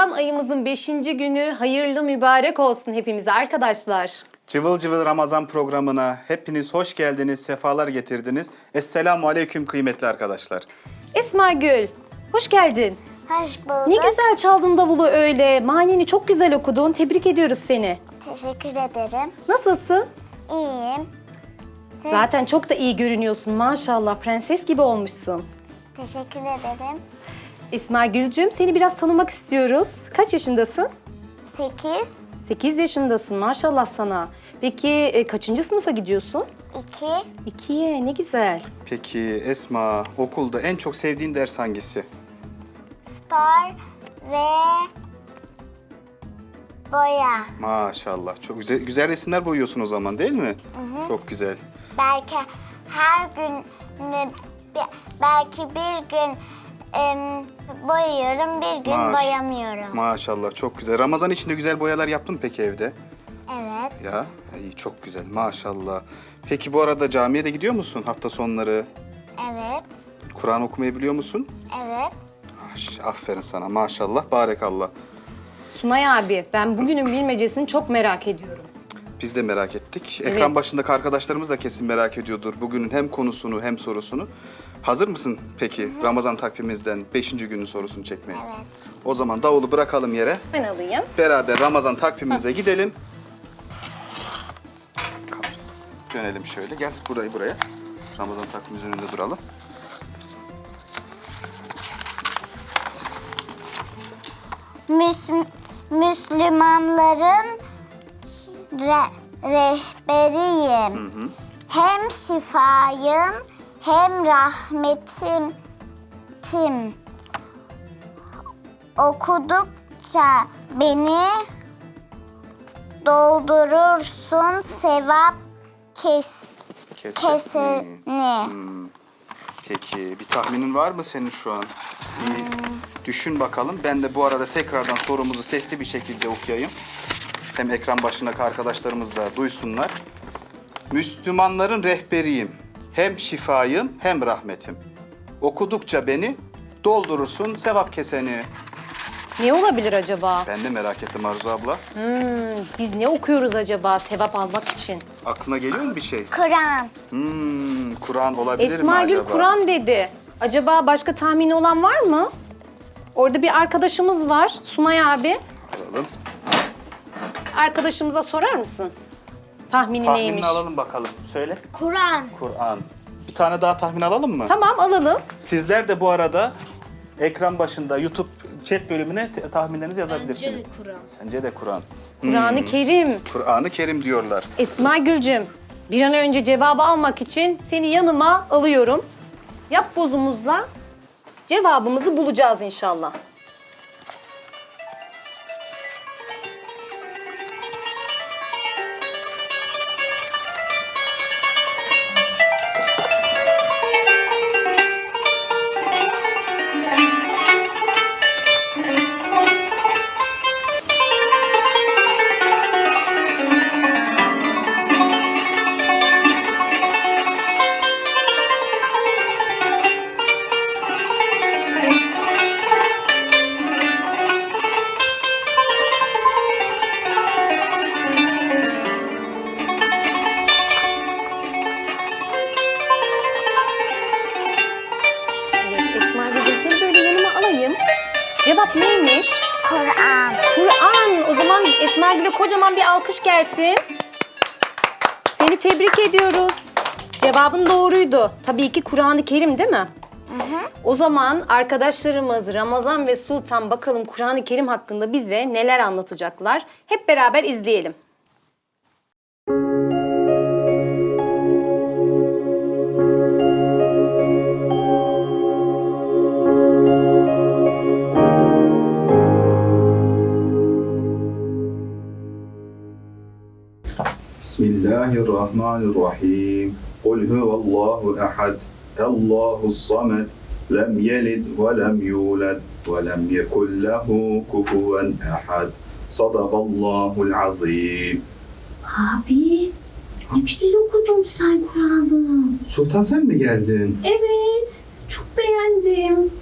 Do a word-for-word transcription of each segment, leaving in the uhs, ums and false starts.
Ramazan ayımızın beşinci günü hayırlı mübarek olsun hepimize arkadaşlar. Cıvıl cıvıl Ramazan programına hepiniz hoş geldiniz, sefalar getirdiniz. Esselamu aleyküm kıymetli arkadaşlar. Esma Gül, hoş geldin. Hoş bulduk. Ne güzel çaldın davulu öyle. Manini çok güzel okudun. Tebrik ediyoruz seni. Teşekkür ederim. Nasılsın? İyiyim. Sen- Zaten çok da iyi görünüyorsun maşallah. Prenses gibi olmuşsun. Teşekkür ederim. Esma Gülcüm, seni biraz tanımak istiyoruz. Kaç yaşındasın? Sekiz, sekiz yaşındasın maşallah sana. Peki e, kaçıncı sınıfa gidiyorsun? iki, ikiye, ne güzel. Peki Esma, okulda en çok sevdiğin ders hangisi? spor ve boya. Maşallah, çok güzel, güzel resimler boyuyorsun o zaman değil mi? Çok güzel. Belki her gün ne- bi- belki bir gün em, boyuyorum, bir gün Maş- boyamıyorum. Maşallah, çok güzel. Ramazan içinde güzel boyalar yaptın mı peki evde? Evet, Ya, iyi, çok güzel maşallah. Peki bu arada camiye de gidiyor musun hafta sonları? evet, Kur'an okumayı biliyor musun? evet. Maş- Aferin sana maşallah, barekallah. Sunay abi, ben bugünün bilmecesini çok merak ediyorum. Biz de merak ettik. Evet. Ekran başındaki arkadaşlarımız da kesin merak ediyordur bugünün hem konusunu hem sorusunu. Hazır mısın peki Ramazan takvimimizden beşinci günün sorusunu çekmeye? Evet. O zaman davulu bırakalım yere. Ben alayım. Beraber Ramazan takvimimize gidelim. Dönelim şöyle. Gel burayı buraya. Ramazan takvimimizin önünde duralım. Müs- Müslümanların re- rehberiyim. Hem şifayım hem rahmetim. Tim. Okudukça beni doldurursun sevap kes Kesin. kesini. Peki bir tahminin var mı senin şu an? Bir düşün bakalım. Ben de bu arada tekrardan sorumuzu sesli bir şekilde okuyayım. Hem ekran başındaki arkadaşlarımız da duysunlar. Müslümanların rehberiyim. Hem şifayım hem rahmetim. Okudukça beni doldurursun sevap keseni. Ne olabilir acaba? Ben de merak ettim Arzu abla. Hmm, biz ne okuyoruz acaba sevap almak için? Aklına geliyor mu bir şey? Kur'an. Hmm, Kur'an olabilir mi Esma Gül acaba? Kur'an dedi. Acaba başka tahmini olan var mı? Orada bir arkadaşımız var, Sunay abi. Alalım. Arkadaşımıza sorar mısın? Tahmini Tahminini neymiş? alalım bakalım. Söyle. Kur'an. Kur'an. Bir tane daha tahmin alalım mı? Tamam, alalım. Sizler de bu arada ekran başında YouTube chat bölümüne te- tahminlerinizi yazabilirsiniz. Bence de Kur'an. Sence de Kur'an. Kur'an-ı Kerim. Kur'an-ı Kerim diyorlar. Esma Gülcüm, bir an önce cevabı almak için seni yanıma alıyorum. Yap bozumuzla cevabımızı bulacağız inşallah. Evet Esma Gülcüm, seni böyle yanıma alayım. Cevap neymiş? Kur'an. Kur'an. O zaman Esma Gül'e kocaman bir alkış gelsin. Seni tebrik ediyoruz. Cevabın doğruydu. Tabii ki Kur'an-ı Kerim değil mi? O zaman arkadaşlarımız Ramazan ve Sultan bakalım Kur'an-ı Kerim hakkında bize neler anlatacaklar. Hep beraber izleyelim. Bismillahirrahmanirrahim. Kul huvallahu ehad. Allahu samed. Lem yelid ve lem yulad ve lem yekun lehu kufuven ehad. Sadakallahul azim. Abi, ne güzel okudun sen Kur'an'ı. Sultan sen mi geldin? Evet, çok beğendim.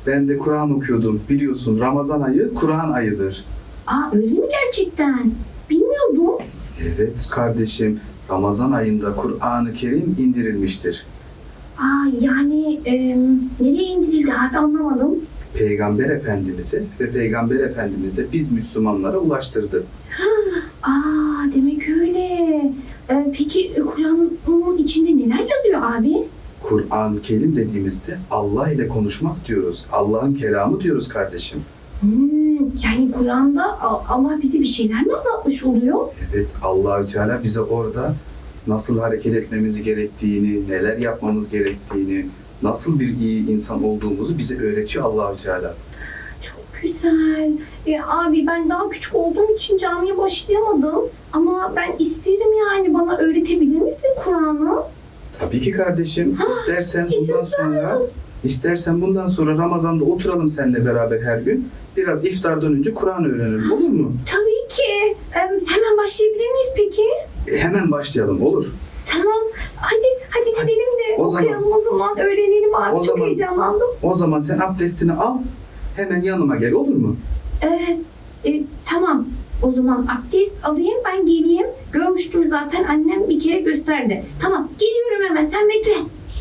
Ben de Kur'an okuyordum. Biliyorsun Ramazan ayı Kur'an ayıdır. Aa öyle mi gerçekten? Bilmiyordum. Evet kardeşim, Ramazan ayında Kur'an-ı Kerim indirilmiştir. Aa yani e, nereye indirildi abi anlamadım. Peygamber Efendimiz'e ve Peygamber Efendimiz de biz Müslümanlara ulaştırdı. Aa demek öyle. E, peki Kur'an'ın içinde neler yazıyor abi? Kur'an-ı Kerim dediğimizde Allah ile konuşmak diyoruz. Allah'ın kelamı diyoruz kardeşim. Hmm, yani Kur'an'da A- Allah bize bir şeyler mi anlatmış oluyor? Evet, Allahü Teala bize orada nasıl hareket etmemiz gerektiğini, neler yapmamız gerektiğini, nasıl bir iyi insan olduğumuzu bize öğretiyor Allahü Teala. Çok güzel. E, abi ben daha küçük olduğum için camiye başlayamadım. Ama ben isterim yani bana öğretebilir misin Kur'an'ı? Tabii ki kardeşim. İstersen bundan yaşasın. sonra istersen bundan sonra Ramazan'da oturalım seninle beraber her gün. Biraz iftardan önce Kur'an öğrenelim, olur mu? Tabii ki. E, hemen başlayabilir miyiz peki? E, hemen başlayalım, olur. Tamam. Hadi hadi gidelim de O zaman- okuyalım o zaman. Öğrenelim abi. O Çok zaman- heyecanlandım. O zaman sen abdestini al, hemen yanıma gel, olur mu? E, e, tamam. O zaman abdest alayım ben geleyim. Görmüştüm zaten annem bir kere gösterdi. Tamam geliyorum hemen sen bekle.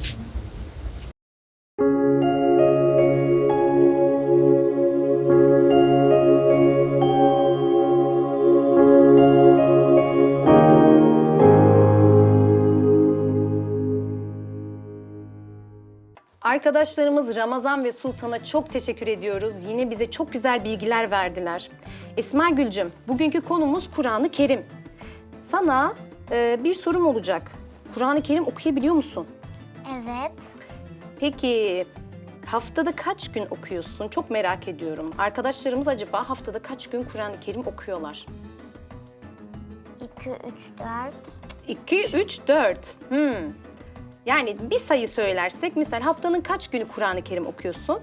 Arkadaşlarımız Ramazan ve Sultan'a çok teşekkür ediyoruz. Yine bize çok güzel bilgiler verdiler. Esma Gülcüm, bugünkü konumuz Kur'an-ı Kerim. Sana e, bir sorum olacak. Kur'an-ı Kerim okuyabiliyor musun? Evet. Peki haftada kaç gün okuyorsun? Çok merak ediyorum. Arkadaşlarımız acaba haftada kaç gün Kur'an-ı Kerim okuyorlar? iki, üç, dört. iki, üç, dört. Hmm. Yani bir sayı söylersek, misal haftanın kaç günü Kur'an-ı Kerim okuyorsun?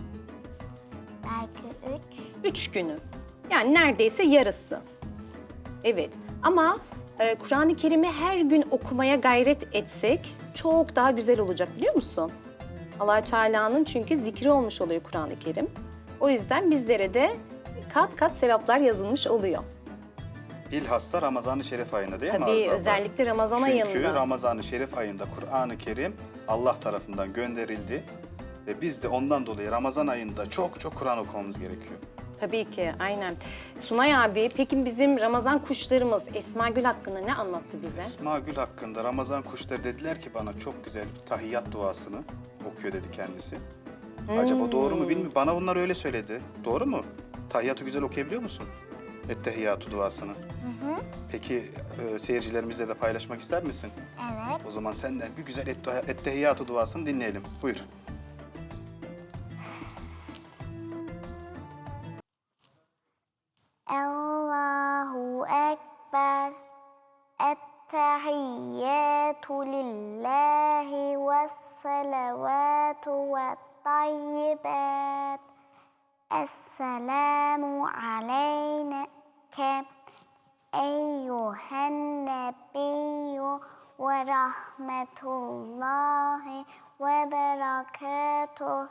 Belki üç. Üç günü. Yani neredeyse yarısı. Evet. Ama e, Kur'an-ı Kerim'i her gün okumaya gayret etsek çok daha güzel olacak, biliyor musun? Allah-u Teala'nın çünkü zikri olmuş oluyor Kur'an-ı Kerim. O yüzden bizlere de kat kat sevaplar yazılmış oluyor. Bilhassa Ramazan-ı Şerif ayında değil mi Tabii Arzu abla? özellikle Ramazan Çünkü ayında. Ramazan-ı Şerif ayında Kur'an-ı Kerim Allah tarafından gönderildi. Ve biz de ondan dolayı Ramazan ayında çok çok Kur'an okumamız gerekiyor. Tabii ki, aynen. Sunay abi, peki bizim Ramazan kuşlarımız Esma Gül hakkında ne anlattı bize? Esma Gül hakkında Ramazan kuşları dediler ki bana çok güzel tahiyyat duasını okuyor dedi kendisi. Acaba doğru mu bilmiyorum. Bana bunlar öyle söyledi. Doğru mu? Tahiyyatı güzel okuyabiliyor musun? Ettehiyyatü duasını. Peki e, seyircilerimizle de paylaşmak ister misin? Evet. O zaman senden bir güzel ette- ettehiyyatü duasını dinleyelim. Buyur. Allahu Ekber. Ettehiyyatu lillahi ve salavatu ve tayyibat. Esselamu aleyke eyyühen nebiyyü ve rahmetullahi ve berekatuhu.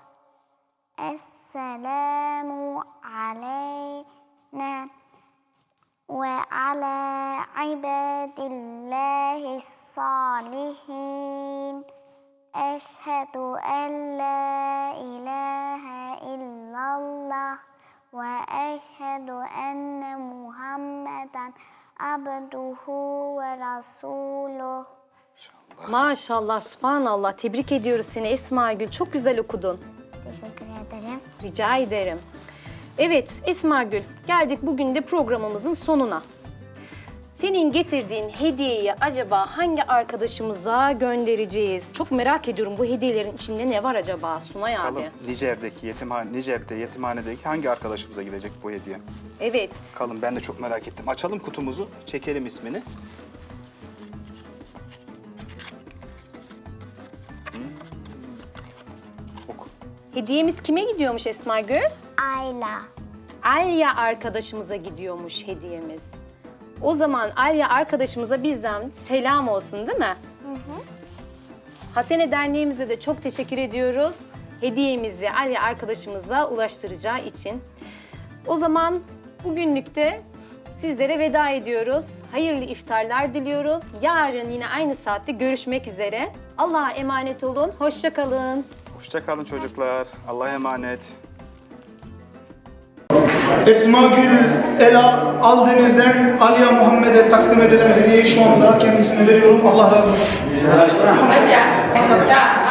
Esselamu aleyna ve ala ibadillahi salihin. Eşhedü en la ilahe illallah ve eşhedü enne Muhammeden abduhu ve rasuluh. Maşallah, subhanallah. Tebrik ediyoruz seni Esma Gül. Çok güzel okudun. Teşekkür ederim. Rica ederim. Evet Esma Gül, geldik bugün de programımızın sonuna. Senin getirdiğin hediyeyi acaba hangi arkadaşımıza göndereceğiz? Çok merak ediyorum, bu hediyelerin içinde ne var acaba Sunay abi? Bakalım Nijer'deki yetimhane, Nijer'de yetimhanedeki hangi arkadaşımıza gidecek bu hediye? Evet. Bakalım, ben de çok merak ettim. Açalım kutumuzu, çekelim ismini. Hmm. Oku. Hediyemiz kime gidiyormuş Esma Gül? Ayla. Alya arkadaşımıza gidiyormuş hediyemiz. O zaman Alya arkadaşımıza bizden selam olsun, değil mi? Hı hı. Hasene Derneğimize de çok teşekkür ediyoruz. hediyemizi Ali arkadaşımıza ulaştıracağı için. O zaman bugünlük de sizlere veda ediyoruz. Hayırlı iftarlar diliyoruz. Yarın yine aynı saatte görüşmek üzere. Allah'a emanet olun. Hoşça kalın. Hoşça kalın çocuklar. Allah'a emanet. Esma Gül Ela Aldemir'den Aliye Muhammed'e takdim edilen hediyeyi şu anda kendisine veriyorum. Allah razı olsun.